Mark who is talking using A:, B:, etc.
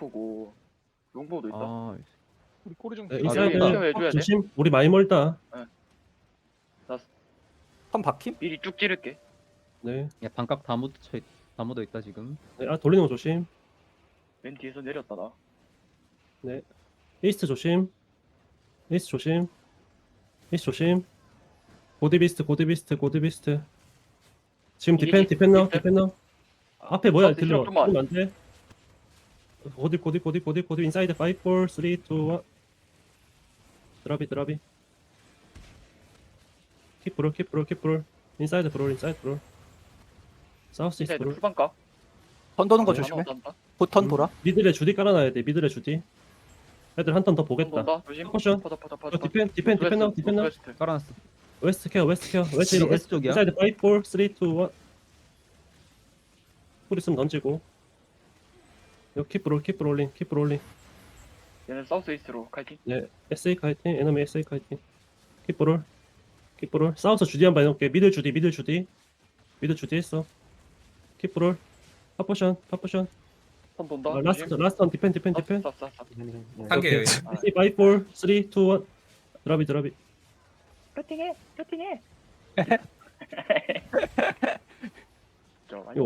A: 아프고 롱보도 있다.
B: 아,
C: 우리 꼬리 좀
B: 네,
A: 인사이드
B: 여기다.
A: 케어 해줘야 돼.
D: 조심. 우리 많이 멀다.
C: 턴 박힘?
A: 미리 쭉 찌를게.
D: 네.
B: 야 반각 다 묻어 있다 지금.
D: 네. 아 돌리는 거 조심.
A: 맨 뒤에서 내렸다 나.
D: 이스트 조심. 이스트 조심. 이스트 조심. 고디비스트 고디비스트 고디비스트. 지금
A: 이게
D: 디펜너
A: 디펜?
D: 디펜너. 앞에 뭐야
A: 사우스
D: 딜러.
A: 좀만.
D: 안 돼. 고디 인사이드 5 4 3 2 1. 드랍이. 킵 브롤. 인사이드 브롤. 사우스 이스트
A: 인사이드
D: 브롤.
A: 풀반가.
C: 턴 도는 거
D: 네,
C: 조심해.
A: 한번
C: 곧턴 돌아.
D: 미들에 주디 깔아놔야 돼. 미들에 주디. 애들 한 턴 더 보겠다.
A: 돈다. 조심.
D: 포션.
A: 퍼다.
D: 디펜너.
B: 깔아놨어.
D: 웨스트 케어. 웨스트
B: 웨스트 쪽이야?
D: 인사이드 5 4 3 2 1. 풀 있으면 던지고. 이거 킵 브롤링.
A: 얘는 사우스 이스트로 칼팅.
D: 네, SA 카이팅, 에너미 SA 카이팅. 킵브롤. 사우스 주디 한번 해놓을게. 미들 주디 했어. 킵브롤. 파포션.
A: 턴 돈다.
D: 라스트 원 디펜.
A: 쌉.
E: 한 개예요.
D: SA 5 4 3 2 1. 드랍이.
A: 배팅해. 저 많이